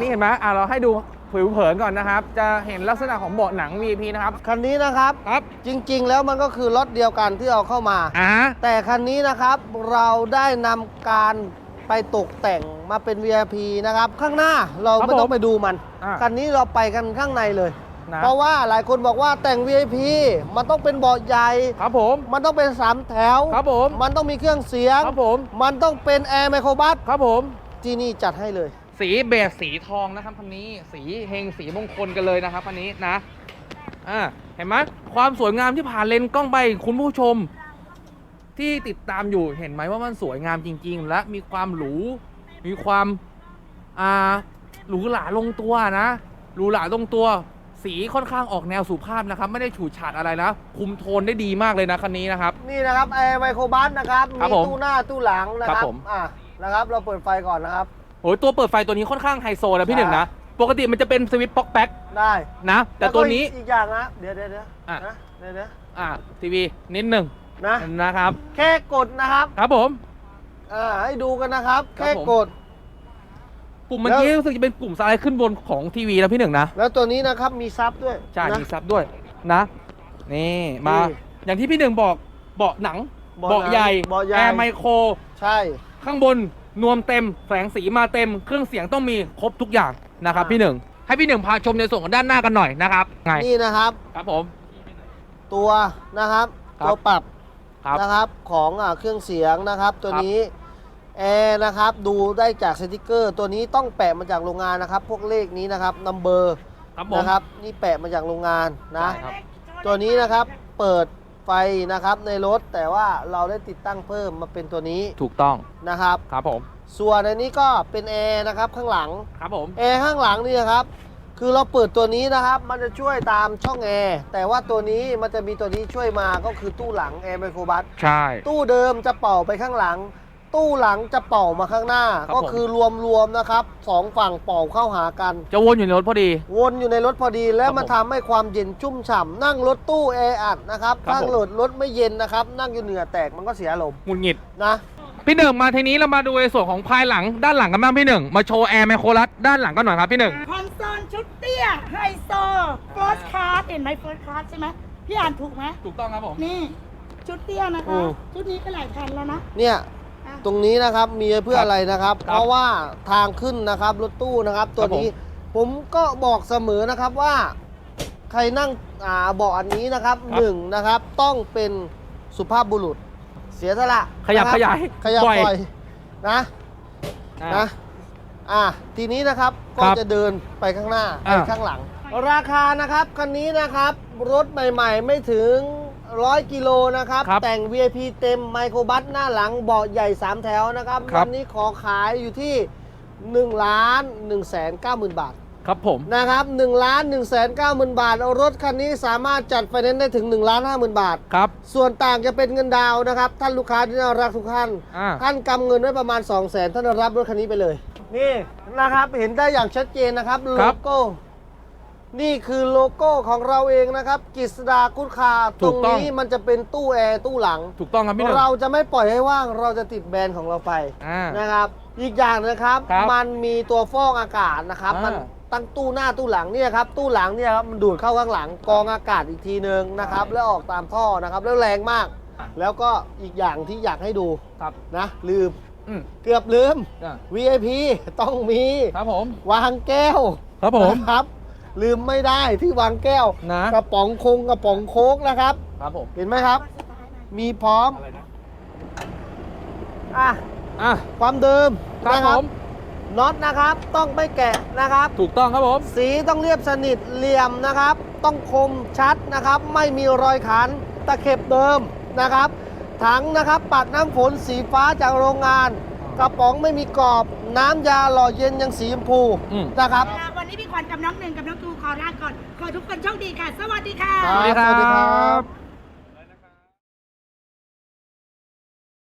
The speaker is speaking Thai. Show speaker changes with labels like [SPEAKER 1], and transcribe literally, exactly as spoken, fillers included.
[SPEAKER 1] นี้เห็นไหมอ่ะเราให้ดูผิวเผินก่อนนะครับจะเห็นลักษณะของเบาะหนัง วี ไอ พี นะครับ
[SPEAKER 2] คันนี้นะครับ
[SPEAKER 1] ครับ
[SPEAKER 2] จริงๆแล้วมันก็คือรถเดียวกันที่เอาเข้ามา
[SPEAKER 1] อ่า
[SPEAKER 2] แต่คันนี้นะครับเราได้นำการไปตกแต่งมาเป็น วี ไอ พี นะครับข้างหน้าเราไม่ต้องไปดูมันคันนี้เราไปกันข้างในเลยเพราะว่าหลายคนบอกว่าแต่ง วี ไอ พี มันต้องเป็นเบาะใหญ่
[SPEAKER 1] ครับผม
[SPEAKER 2] มันต้องเป็นสามแถว
[SPEAKER 1] ครับผม
[SPEAKER 2] มันต้องมีเครื่องเสียง
[SPEAKER 1] ครับผม
[SPEAKER 2] มันต้องเป็นแอร์ไมโครบัส
[SPEAKER 1] ครับผม
[SPEAKER 2] ที่นี่จัดให้เลย
[SPEAKER 1] สีเบสสีทองนะครับคันนี้สีเฮงสีมงคลกันเลยนะครับคันนี้นะอ่าเห็นไหมความสวยงามที่ผ่านเลนกล้องไปคุณผู้ชมที่ติดตามอยู่เห็นไหมว่ามันสวยงามจริงๆและมีความหรูมีความอ่าหรูหราลงตัวนะหรูหราลงตัวสีค่อนข้างออกแนวสุภาพนะครับไม่ได้ฉูดฉาดอะไรนะคุมโทนได้ดีมากเลยนะคันนี้นะครับ
[SPEAKER 2] นี่นะครับแอร์ไมโครบัสนะครับมีตู้หน้าตู้หลังนะครับอ่านะครับเราเปิดไฟก่อนนะครับ
[SPEAKER 1] โอ้ยตัวเปิดไฟตัวนี้ค่อนข้างไฮโซนะพี่หนึ่งนะปกติมันจะเป็นสวิตช์ป๊อกแป๊ก
[SPEAKER 2] ได้
[SPEAKER 1] นะแต่ตัวนี้
[SPEAKER 2] อีกอย่างนะเดี๋ยวเดี๋ยวเดี๋ยวนะเดี๋ยวเดี๋ยว
[SPEAKER 1] อ่าทีวีนิดหนึ่ง
[SPEAKER 2] นะ
[SPEAKER 1] นะครับ
[SPEAKER 2] แค่กดนะครับ
[SPEAKER 1] ครับผม
[SPEAKER 2] อ่าให้ดูกันนะครับแค่กด
[SPEAKER 1] ปุ่มเมื่อกี้รู้สึกจะเป็นปุ่มสไลด์ขึ้นบนของทีวีนะพี่หนึ่งนะ
[SPEAKER 2] แล้วตัวนี้นะครับมีซับด้วย
[SPEAKER 1] ใช่มีซับด้วยนะนี่มาอย่างที่พี่หนึ่งบอกเบาะหนังเบาะใหญ่แอร์ไมโคร
[SPEAKER 2] ใช่
[SPEAKER 1] ข้างบนนวมเต็มแสงสีมาเต็มเครื่องเสียงต้องมีครบทุกอย่างนะครับพี่หนึ่งให้พี่หนึ่งพาชมในส่วนของด้านหน้ากันหน่อยนะครับไง
[SPEAKER 2] นี่นะครับ
[SPEAKER 1] ครับผม
[SPEAKER 2] ตัวนะครับตัวปรับนะครับของเครื่องเสียงนะครับตัวนี้แอร์นะครับดูได้จากสติกเกอร์ตัวนี้ต้องแปะมาจากโรงงานนะครับพวกเลขนี้นะครับนัมเบอร์นะครับนี่แปะมาจากโรงงานนะตัวนี้นะครับเปิดไฟนะครับในรถแต่ว่าเราได้ติดตั้งเพิ่มมาเป็นตัวนี้
[SPEAKER 1] ถูกต้อง
[SPEAKER 2] นะครับ
[SPEAKER 1] ครับผม
[SPEAKER 2] ส่วนอันนี้ก็เป็นแอร์นะครับข้างหลัง
[SPEAKER 1] ครับผม
[SPEAKER 2] แอร์ข้างหลังนี่ครับคือเราเปิดตัวนี้นะครับมันจะช่วยตามช่องแอร์แต่ว่าตัวนี้มันจะมีตัวนี้ช่วยมาก็คือตู้หลังแอร์ไมโครบัส
[SPEAKER 1] ใช่
[SPEAKER 2] ตู้เดิมจะเป่าไปข้างหลังตู้หลังจะเป่ามาข้างหน้าก็คือรวมๆนะครับสองฝั่งเป่าเข้าหากัน
[SPEAKER 1] จะวนอยู่ในรถพอดี
[SPEAKER 2] วนอยู่ในรถพอดีแล้วมันทำให้ความเย็นชุ่มฉ่ำนั่งรถตู้แออัดนะครับถ้าเกิดรถไม่เย็นนะครับนั่งอยู่เหนือแตกมันก็เสียลม
[SPEAKER 1] หงุดหงิด
[SPEAKER 2] นะ
[SPEAKER 1] พี่หนึ่งมาทีนี้เรามาดูในส่วนของภายหลังด้านหลังกันบ้างพี่หนึ่งมาโชว์แอร์ไมโครลัสด้านหลังกันหน่อยครับพี่หนึ่ง
[SPEAKER 3] คอนโซลชุดเตี้ยไฮโซเฟิร์สคลาสเห็นไหมเฟิร์สคลาสใช่ไหมพี่อ่านถูกไหม
[SPEAKER 1] ถูกต้องครับผม
[SPEAKER 3] นี่ชุดเตี้ยนะคะชุดนี้ก็หลายพันแล้วนะ
[SPEAKER 2] เนี่ยตรงนี้นะครับมีเพื่ออะไรนะครับเพราะว่าทางขึ้นนะครับรถตู้นะครับตัวนี้ผมก็บอกเสมอนะครับว่าใครนั่งอ่าเบาะอันนี้นะครับหนึ่งนะครับต้องเป็นสุภาพบุรุษเสียสละ
[SPEAKER 1] ขยับขยาย
[SPEAKER 2] ขยับปล่อยนะนะอ่ะทีนี้นะครับก็จะเดินไปข้างหน้าไปข้างหลังราคานะครับคันนี้นะครับรถใหม่ๆไม่ถึงร้อยกิโลนะครับแต่ง วี ไอ พี เต็มไมโครบัสหน้าหลังเบาะใหญ่สามแถวนะครับวันนี้ขอขายอยู่ที่หนึ่งล้านหนึ่งแสนเก้าหมื่นบาท
[SPEAKER 1] ครับผม
[SPEAKER 2] นะครับหนึ่งล้านหนึ่งแสนเก้าหมื่นบาทรถคันนี้สามารถจัดไฟแนนซ์ได้ถึงหนึ่งล้านห้าหมื่นบาท
[SPEAKER 1] ครับ
[SPEAKER 2] ส่วนต่างจะเป็นเงินดาวนะครับท่านลูกค้าที่น่ารักทุกท่านท่านกำเงินไว้ประมาณ สองแสน ท่านรับรถคันนี้ไปเลยนี่นะครับเห็นได้อย่างชัดเจนนะครับโลโก้นี่คือโลโก้ของเราเองนะครับกฤษดากุดคาตรงนี้มันจะเป็นตู้แอร์ตู้หลัง
[SPEAKER 1] ถูกต้องครับพี่หนึ่ง
[SPEAKER 2] เราจะไม่ปล่อยให้ว่างเราจะติดแบรนด์ของเราไปนะครับอีกอย่างนะครับมันมีตัวฟอกอากาศนะครับมันตั้งตู้หน้าตู้หลังเนี่ยครับตู้หลังเนี่ยครับมันดูดเข้าข้างหลังกองอากาศอีกทีนึงนะครับแล้วออกตามท่อนะครับแล้วแรงมากแล้วก็อีกอย่างที่อยากให้ดูนะลืมเกือบลืม วี ไอ พี ต้องมี
[SPEAKER 1] ครับผม
[SPEAKER 2] วางแก้ว
[SPEAKER 1] ครับผม
[SPEAKER 2] ครับลืมไม่ได้ที่วางแก้ว
[SPEAKER 1] นะ
[SPEAKER 2] กระป๋องคงกระป๋องโค้กนะครับ
[SPEAKER 1] ครับผม
[SPEAKER 2] เห็นไหมครับมีพร้อมอ่ะ
[SPEAKER 1] อ่ะ
[SPEAKER 2] ความเดิม
[SPEAKER 1] ครับผม
[SPEAKER 2] น็อตนะครับต้องไม่แกะนะครับ
[SPEAKER 1] ถูกต้องครับผม
[SPEAKER 2] สีต้องเรียบสนิทเหลี่ยมนะครับต้องคมชัดนะครับไม่มีรอยขันตะเข็บเดิมนะครับถังนะครับปัดน้ำฝนสีฟ้าจากโรงงานกระป๋องไม่มีกรอบน้ำยาหล่อเย็นยังสีชมพูนะครับ
[SPEAKER 3] วันนี้พี่ขวัญกับน้องหนึ่งกับน้องตูขอลาก่อนขอทุกคนโชคดีค่ะสวัสดีค่ะ
[SPEAKER 1] สวัสดีครับ